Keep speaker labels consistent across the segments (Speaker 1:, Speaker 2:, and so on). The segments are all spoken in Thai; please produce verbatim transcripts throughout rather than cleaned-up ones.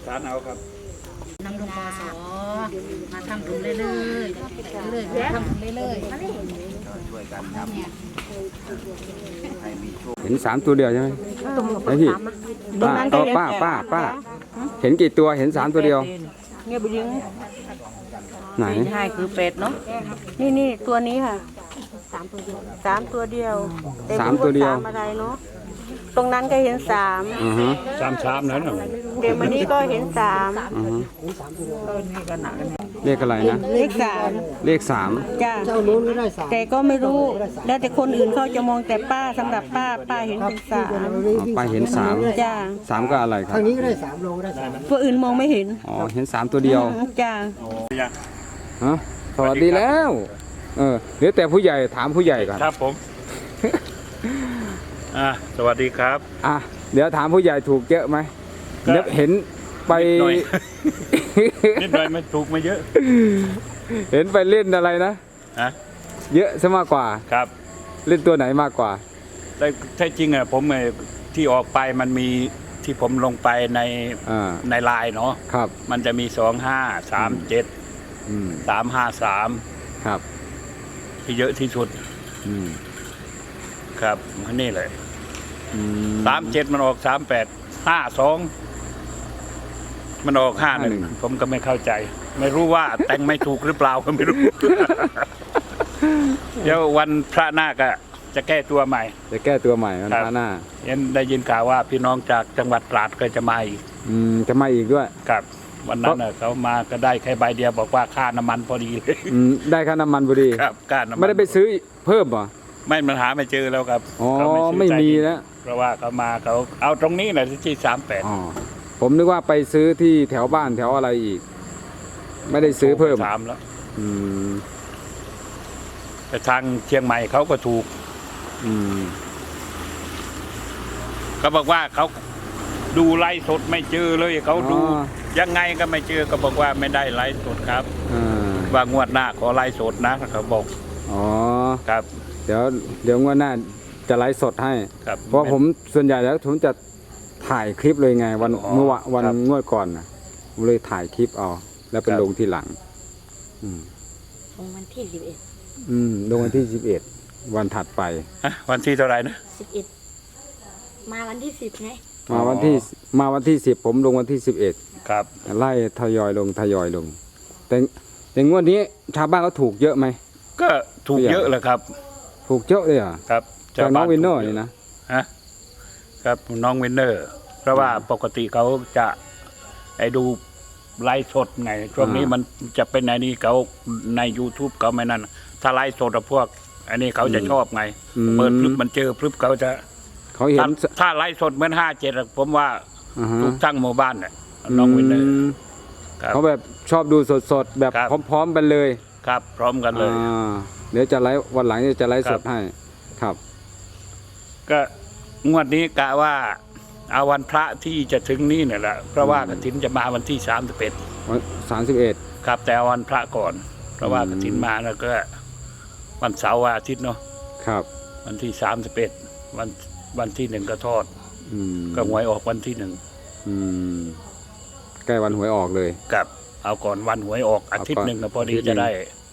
Speaker 1: สานเอาครับ
Speaker 2: นำลงปสมาทำบุญเรื่อยๆเรื่อยๆทำบุญเรื่อยๆช่วยกันครับ
Speaker 3: เห็นสามตัวเดียวใช่ไหมไอพี่ป้าก็ป้าป้าป้าเห็นกี่ตัวเห็นสามตัวเดียว
Speaker 4: เงี้ยบุญ
Speaker 3: ไหน
Speaker 4: ใช่คือเป็ดเนาะนี่นี่ตัวนี้ค่ะสามตัวเดียวสามตัวเดียว
Speaker 3: สามตัวเดียว
Speaker 4: อะไรเนาะตรงนั้นก็เห็นสาม
Speaker 1: สามสามนั้นเหรอ
Speaker 4: เดี๋ยววันนี้ก็เห็นสาม
Speaker 3: เลขอะไรนะ
Speaker 4: เลขสาม
Speaker 3: เลขสาม
Speaker 4: จ้าแต่ก็ไม่รู้แล้วแต่คนอื่นเขาจะมองแต่ป้าสำหรับป้าป้าเห็นเป็นสาม
Speaker 3: ป้าเห็นสาม
Speaker 4: จ้า
Speaker 3: สามก็อะไรครับทางนี้ก็ได้สาม
Speaker 4: โลได้สามตัวอื่นมองไม่เห็น
Speaker 3: อ๋อเห็นสามตัวเดียว
Speaker 4: จ้า
Speaker 3: ฮะสวัสดีแล้วเออเดี๋ยวแต่ผู้ใหญ่ถามผู้ใหญ่ก่อน
Speaker 1: ครับผมอ่าสวัสดีครับ
Speaker 3: อ่ะเดี๋ยวถามผู้ใหญ่ถูกเยอะไหมเดี๋ยวเห็นไป
Speaker 1: นิดหน่อยไม่ถูกไม่เยอะ
Speaker 3: เห็นไปเล่นอะไรนะ
Speaker 1: ฮะ
Speaker 3: เยอะซะมากกว่า
Speaker 1: ครับ
Speaker 3: เล่นตัวไหนมากกว่า
Speaker 1: แต่แท้จริงอ่ะผมที่ออกไปมันมีที่ผมลงไปในในไลน์เนาะ
Speaker 3: ครับ
Speaker 1: มันจะมีสองห้าสามเจ็ดสามห้าสาม
Speaker 3: ครับ
Speaker 1: ที่เยอะที่สุดครับนี่เลยสามเจ็ดมันออกสามแปดห้าสองมันออกห้าหนึ่งผมก็ไม่เข้าใจไม่รู้ว่าแต่งไม่ถูกหรือเปล่าก็ไม่รู้เดี๋ยววันพระหน้าก็จะแก้ตัวใหม่
Speaker 3: จะแก้ตัวใหม่วันพระหน้า
Speaker 1: เห็นได้ยินข่าวว่าพี่น้องจากจังหวัดตราดก็จะมาอีก
Speaker 3: อืมจะมาอีกด้วย
Speaker 1: ครับวันนั้นเขามาก็ได้แค่ใบเดียวบอกว่าค่าน้ำมันพอดีเลย
Speaker 3: ได้ค่าน้ำมันพอดี
Speaker 1: ครับค่าน้ำมัน
Speaker 3: ไม่ได้ไปซื้อเพิ่มหรอ
Speaker 1: ไม่มันหาไม่เจอแล้วครับ
Speaker 3: อ๋อไม่มีแล้ว
Speaker 1: เพราะว่าเขามาเขาเอาตรงนี้แหละที่สามแปด
Speaker 3: อ๋อผมนึกว่าไปซื้อที่แถวบ้านแถวอะไรอีกไม่ได้ซื้อเพิ่ม
Speaker 1: สามแล้ว
Speaker 3: อืม
Speaker 1: แต่ทางเชียงใหม่เขาก็ถูก
Speaker 3: อืม
Speaker 1: เขาบอกว่าเขาดูไลฟ์สดไม่เจอเลยเขาดูยังไงก็ไม่เจอก็บอกว่าไม่ได้ไลฟ์สดครับว่างวดหน้าขอไลฟ์สดนะเขาบอก
Speaker 3: อ๋อ
Speaker 1: ครับ
Speaker 3: เดี๋ยวเดี๋ยวงวดหน้าจะไลฟ์สดให้เพราะผมส่วนใหญ่แล้วผมจะถ่ายคลิปเลยไงวันเมื่อวันงวดก่อนนะผมเลยถ่ายคลิปเอาแล้วเป็นลงที่หลัง
Speaker 2: ลงวันที่สิบเอ็ด
Speaker 3: อืมลงวันที่สิบเอ็ดวันถัดไป
Speaker 1: วันที่เท่าไหร่นะ
Speaker 2: สิบเอ็ดมาวันที่สิบไง
Speaker 3: มาวันที่มาวันที่สิบผมลงวันที่สิบเอ็ด
Speaker 1: ครับ
Speaker 3: ไล่ทยอยลงทยอยลงแต่แต่งวดนี้ชาวบ้านเขาถูกเยอะไหม
Speaker 1: ก็ถูกเยอะเลยครับ
Speaker 3: ถูกเยอะเลยอ่ะ
Speaker 1: ครับ
Speaker 3: จากน้องวินเนอร์นี่นะ
Speaker 1: ฮะครับน้องวินเนอร์เพราะว่าปกติเขาจะไอ้ดูไลฟ์สดไงช่วงนี้มันจะเป็นในนี้เขาใน YouTube เขาไม่นั่นถ้าไลฟ์สดพวกอันนี้เขาจะชอบไงเปิดพลึบมันเจอพลึบเขาจะ
Speaker 3: เขาเห็น
Speaker 1: ถ้าไลฟ์สดเหมือนห้าเจ็ดผมว่าถูกทั้งหมู่บ้านเนี่ยน้องวินเนอร์
Speaker 3: เขาแบบชอบดูสดๆแบบพร้อมๆกันเลย
Speaker 1: ครับพร้อมกันเลย
Speaker 3: เดี๋ยวจะไลฟ์วันหลังจะไลฟ์สดให้ครับ
Speaker 1: ก็งวดนี้กะว่าเอาวันพระที่จะถึงนี่เนี่ยแหละเพราะว่ากฐินจะมาวันที่สามสิบเอ็ด
Speaker 3: วันสามสิบเอ็ด
Speaker 1: ครับแต่วันพระก่อนเพราะว่ากฐินมาแล้วก็วันเสาร์อาทิตย์เนาะ
Speaker 3: ครับ
Speaker 1: วันที่สามสิบเอ็ดวันวันที่หนึ่งก็ทอดก็หวยออกวันที่หนึ่ง
Speaker 3: ใกล้วันหวยออกเลย
Speaker 1: กับเอาก่อนวันหวยออกอาทิตย์หนึ่งก็พอดีจะได้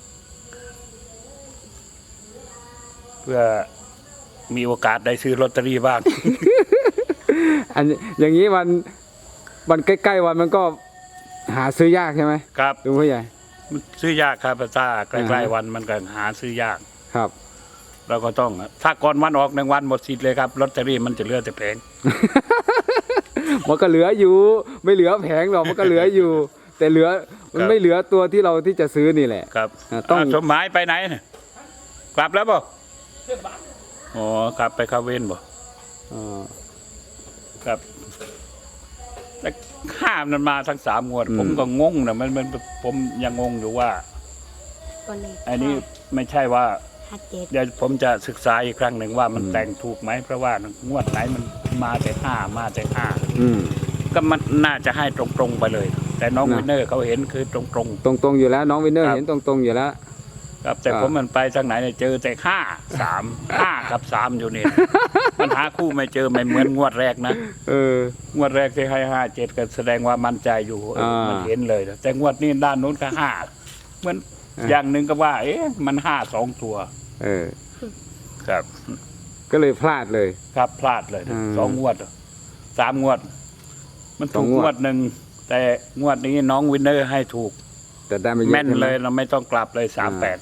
Speaker 1: เพื่อมีโอกาสได้ซื้อลอตเตอรี่บ้าง
Speaker 3: อันอย่างนี้วันวันใกล้ๆวันมันก็หาซื้อยากใช่ไหม
Speaker 1: ครับ
Speaker 3: ลุงผู้ใหญ่
Speaker 1: ซื้อยากครับถ้าใกล้ๆวันมันก็หาซื้อยาก
Speaker 3: ครับ
Speaker 1: เราก็ต้องถ้าก่อนวันออกหนึ่งวันหมดสิทธิ์เลยครับลอตเตอรี่มันจะเหลือแต่แผง
Speaker 3: มันก็เหลืออยู่ไม่เหลือแผงหรอกมันก็เหลืออยู่แต่เหลือมันไม่เหลือตัวที่เราที่จะซื้อนี่แหละ
Speaker 1: ครับต้องสมหมายไปไหนกลับแล้วบ่อ๋อกลับไปคาเว่นบ่อ๋อครับแต่ข้ามมันมาทั้งสามงวดผมก็งงนะมันมันผมยังงงอยู่ว่าอันนี้ไม่ใช่ว่าเดี๋ยวผมจะศึกษาอีกครั้งหนึ่งว่ามันแต่งถูกไหมเพราะว่างวดไหนมันมาแต่ห้ามาแต่ห้าก็มันน่าจะให้ตรงๆไปเลยแต่น้องวินเนอร์เขาเห็นคือตรงๆ
Speaker 3: ตรงๆอยู่แล้วน้องวินเนอร์เห็นตรงๆอยู่แล้ว
Speaker 1: ครับแต่ผมมันไปทางไหนเนี่ยเจอแต่ห้าสามห้ากับสามอยู่นี่มันหาคู่ไม่เจอไม่เหมือนงวดแรกนะ
Speaker 3: เออ
Speaker 1: งวดแรกที่ให้ห้าเจ็ดก็แสดงว่ามั่นใจอยู่เออ
Speaker 3: อ่ามั
Speaker 1: มันเห็นเลยนะแต่งวดนี้ด้านนู้นก็ห้าเหมือน
Speaker 3: อ่า
Speaker 1: อย่างหนึ่งก็ว่า เอ๊ะมันห้าสองตัว
Speaker 3: เออ
Speaker 1: ครับ
Speaker 3: ก็เลยพลาดเลย
Speaker 1: ครับพลาดเลยนะ
Speaker 3: อืม
Speaker 1: สองงวดสามงวด มัน
Speaker 3: สอ
Speaker 1: ถู
Speaker 3: ง
Speaker 1: ก
Speaker 3: งวด
Speaker 1: งวดหนึ่งแต่งวดนี้น้องวินเนอร์ให้ถูก
Speaker 3: แต่ได้ไม่เยอะ
Speaker 1: แม่น
Speaker 3: ใช่ไห
Speaker 1: เลยเราไม่ต้องกลับเลยสามแปด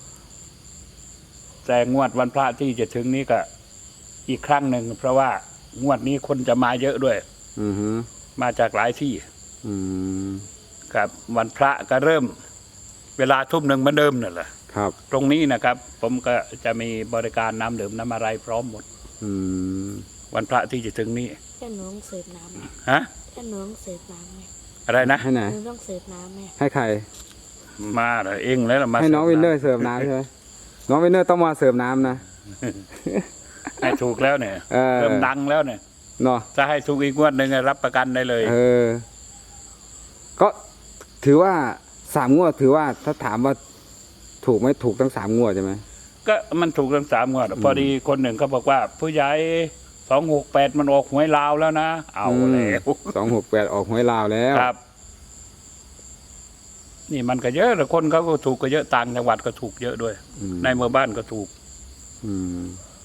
Speaker 1: แต่งวดวันพระที่จะถึงนี้ก็อีกครั้งหนึ่งเพราะว่างวดนี้คนจะมาเยอะด้วย
Speaker 3: อือฮึ
Speaker 1: มาจากหลายที่
Speaker 3: อืม
Speaker 1: ครับ วันพระก็เริ่ม เวลาทุ่มหนึ่งเหมือนเดิมนั่นแหละ
Speaker 3: ครับ
Speaker 1: ตรงนี้นะครับ ผมก็จะมีบริการน้ำดื่มน้ำอะไรพร้อมหมด
Speaker 3: อืม
Speaker 1: วันพระที่จะถึงนี้
Speaker 5: แค่หนูต้องเสิร์ฟน้ำไหม
Speaker 1: ฮะ
Speaker 5: แค่หนูต้องเสิร์ฟน้ำไหม
Speaker 1: อะไรนะ
Speaker 3: ให้ไหน
Speaker 5: หนูต้องเสิร์ฟน้ำไหม
Speaker 3: ให้ใคร
Speaker 1: มาเหรอเองแล้วเหรอมา
Speaker 3: ให้น้อง
Speaker 1: สิ
Speaker 3: วินเนอร์เสิร์ฟน้ำใช่ไหมน้องวินเนอร์ต้องมาเสิร์ฟน้ำนะ
Speaker 1: ให้ถูกแล้วเนี่ย
Speaker 3: เออ
Speaker 1: เริ่มดังแล้วเนี่ย
Speaker 3: เนาะ
Speaker 1: ถ้าให้ถูกอีกงวดหนึ่งรับประกันได้เลย
Speaker 3: เออ ก็ถือว่าสามงวดถือว่าถ้าถามว่าถูกไหมถูกทั้งสามงวดใช่ไหม
Speaker 1: ก็มันถูกทั้งสามงวดพอดีคนหนึ่งเขาบอกว่า ผู้ใหญ่สองหกแปดมันออกหวยลาวแล้วนะ เอาแล้ว
Speaker 3: สองหกแปดออกหวยลาวแล้ว
Speaker 1: ครับ นี่มันก็เยอะแต่คนเขาก็ถูกก็เยอะต่างจังหวัดก็ถูกเยอะด้วย
Speaker 3: อืม
Speaker 1: ในหมู่บ้านก็ถูก
Speaker 3: อืม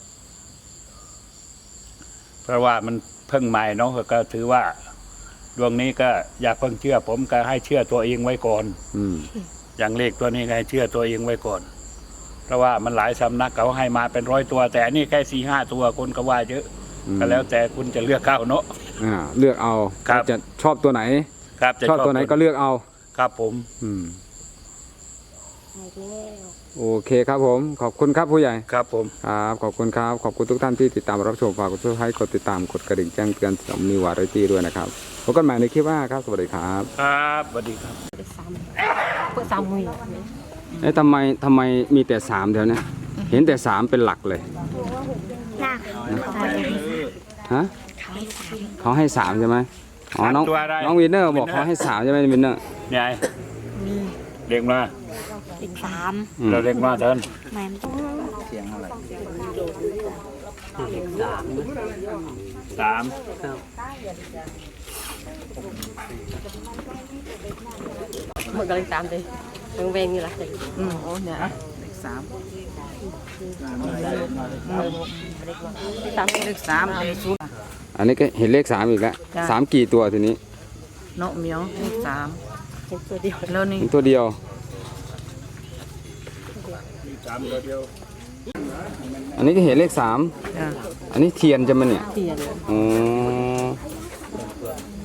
Speaker 1: เพราะว่ามันเพิ่งใหม่เนาะก็ถือว่าดวงนี้ก็อย่าเพิ่งเชื่อ ผมก็ให้เชื่อตัวเองไว้ก่อน
Speaker 3: อืม
Speaker 1: อย่างเลขตัวนี้ก็ให้เชื่อตัวเองไว้ก่อน เพราะว่ามันหลายสำนักเขาให้มาเป็นร้อยตัว แต่อันนี่แค่สี่ห้าตัวคนก็ว่าเยอะ
Speaker 3: อืม
Speaker 1: ก็แล้วแต่คุณจะเลือกเข้าเนาะ
Speaker 3: อ่าเลือกเอา
Speaker 1: ครับ
Speaker 3: ว่าจะชอบตัวไหน
Speaker 1: ครับจะ
Speaker 3: ชอบตัวไหนก็เลือกเอา
Speaker 1: ครับผม
Speaker 3: อืม
Speaker 5: หายแล้ว
Speaker 3: โอเคครับผม ขอบคุณครับผู้ใหญ่
Speaker 1: ครับผม
Speaker 3: ครับขอบคุณครับ ขอบคุณทุกท่านที่ติดตามรับชมฝากกดซับสไครต์กดติดตามกดกระดิ่งแจ้งเตือนสำนีวาไรตี้ด้วยนะครับพบกันใหม่ในคลิปหน้าครับ สวัสดีครับ
Speaker 1: ครับสวัสดีครับ
Speaker 2: เพื่อสามมือ
Speaker 3: เอ๊ะทำไมทำไมมีแต่สามแถวเนี้ยเห็นแต่สามเป็นหลักเลย
Speaker 5: หน้าเขา
Speaker 3: ฮะ
Speaker 5: เขาให้สาม
Speaker 3: เขาให้สามใช่ไหมอ๋อน้อง
Speaker 1: ตัวอะไร
Speaker 3: น้องวินเนอร์บอกเขาให้สามใช่ไหมวินเนอร์
Speaker 1: ยาย
Speaker 5: มี
Speaker 1: เด็กมา
Speaker 5: อีกสาม
Speaker 3: อืม
Speaker 1: เราเด็กมาเถิน
Speaker 5: แม่นต้อง
Speaker 1: สาม
Speaker 6: มันกำลังตามเลยมันเวงอยู่ละ
Speaker 2: อืมโอ้เนี่ยเลขสาม
Speaker 6: ตาม
Speaker 2: เลขสามเลขศูนย์
Speaker 3: อันนี้ก็เห็นเลขสามอีกแล้ว
Speaker 2: จ้ะ
Speaker 3: สามกี่ตัวทีนี้
Speaker 2: เนาะเหมียวเลขสาม
Speaker 6: เห็นตัวเดียว
Speaker 2: แล้วนี่
Speaker 3: เห็นตัวเดียว
Speaker 1: สามตัวเดียว
Speaker 3: อันนี้ก็เห็นเลขสาม
Speaker 2: จ้ะ
Speaker 3: อันนี้เทียนจะมันเนี่ย
Speaker 6: เทียน
Speaker 3: อ๋อ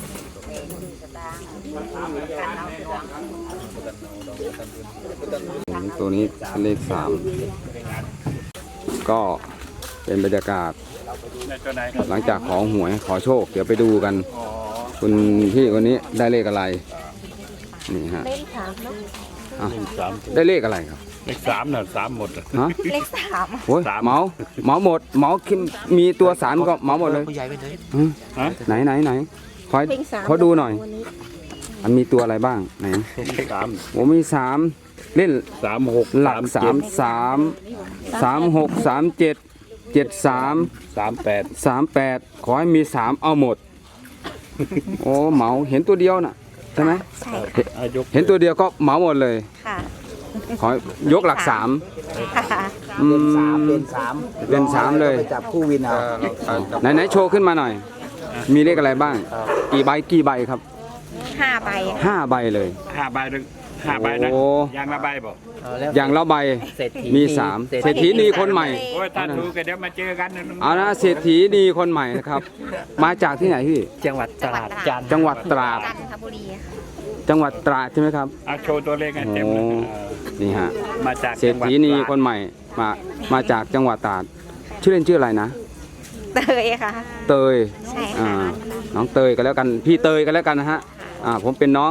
Speaker 3: ตัวนี้เป็นเลขสามก็เป็นบรรยากาศ
Speaker 1: ในตัวไหนครับ
Speaker 3: หลังจากขอหวยขอโชค เดี๋ยวไปดูกัน
Speaker 1: อ๋อ
Speaker 3: คุณพี่คนนี้ได้เลขอะไร นี่ฮะ
Speaker 5: เลขสามเนาะ
Speaker 3: อ่ะ
Speaker 1: สาม
Speaker 3: ได้เลขอะไรครับ
Speaker 1: เลขสามน่ะสามหมดอะ
Speaker 3: ฮะ
Speaker 5: เลขสาม
Speaker 3: โอ้ย
Speaker 1: สาม
Speaker 3: เหมาเหมาหมดเหมาคิมมีตัวสามก็เหมาหมดเลย
Speaker 1: ฮะ
Speaker 3: ไหนไหนไหนขอ
Speaker 5: เลขสาม
Speaker 3: ขอดูหน่อย
Speaker 5: วันนี้
Speaker 3: มันมีตัวอะไรบ้างไหน
Speaker 1: เลขสาม
Speaker 3: โอ้มีสามเล่น
Speaker 1: สามหก
Speaker 3: หลักสามสามสามหกสามเจ็ดเจ็ดสาม
Speaker 1: สามแปด
Speaker 3: สามแปดขอให้มีสามเอาหมด โอ้เหมาเห็นตัวเดียวน่ะใช่ไหม
Speaker 5: ใช่
Speaker 1: อายก
Speaker 3: เห็นตัวเดียวก็เหมาหมดเลย
Speaker 5: ค่ะ
Speaker 3: ขอยกหลักสาม
Speaker 5: ค่ะ
Speaker 3: อืม
Speaker 7: สามเป็นสาม
Speaker 3: เป็นสามเลย
Speaker 7: ไปจับคู่วินเอา
Speaker 3: ไหนไหนโชว์ขึ้นมาหน่อย มีเลขอะไรบ้าง กี่ใบกี่ใบครับ
Speaker 5: ห้าใบ
Speaker 3: ห้าใบเลย
Speaker 1: ห้าใบหนึ่งห้าใบนะ
Speaker 3: โอ้
Speaker 1: ยางละใบบอก
Speaker 3: อย่างละใบ
Speaker 7: เศรษฐี
Speaker 3: มีสาม
Speaker 7: เศรษ
Speaker 3: เศรษ
Speaker 7: ฐี
Speaker 3: ฐีนีคนใหม่
Speaker 1: โอ้ยถ้าถูกก็เดี๋ยวมาเจอกันนะ
Speaker 3: เอานะเศรษฐีนีคนใหม่นะครับ มาจากที่ไหนพี่
Speaker 7: จังหวัดตราดจันทร์
Speaker 3: จังหวัดตราด
Speaker 5: จันทบุรีค่ะ
Speaker 3: จังหวัดตราดใช่ไหมครับ
Speaker 1: เอาโชว์ตัวเลขให้เต็มเลย
Speaker 3: โอ้
Speaker 1: เออ
Speaker 3: นี่ฮะ
Speaker 1: มาจาก
Speaker 3: เศรษฐีนีคนใหม่ มา มาจากจังหวัดตราด ชื่อเล่นชื่ออะไรนะ
Speaker 5: เตยค่ะ
Speaker 3: เตย
Speaker 5: ใช่
Speaker 3: อ่า
Speaker 5: ค่ะ
Speaker 3: น้องเตยกันแล้วกัน พี่เตยกันแล้วกันนะฮะ อ่า ผมเป็นน้อง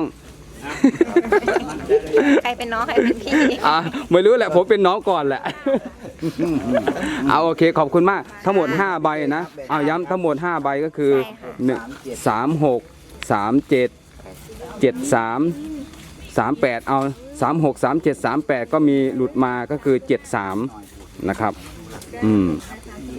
Speaker 5: ใครเป็นน้องใครเป็นพี่
Speaker 3: อ่าไม่รู้แหละผมเป็นน้องก่อนแหละ เอาโอเคขอบคุณมาก ทั้งหมดห้าใบนะเอาย้ำทั้งหมดห้าใบก็คือหนึ่งสามหกสามเจ็ดเจ็ดสามสามแปดเอาสามหกสามเจ็ดสามแปดก็มีหลุดมาก็คือเจ็ดสามนะครับ อืม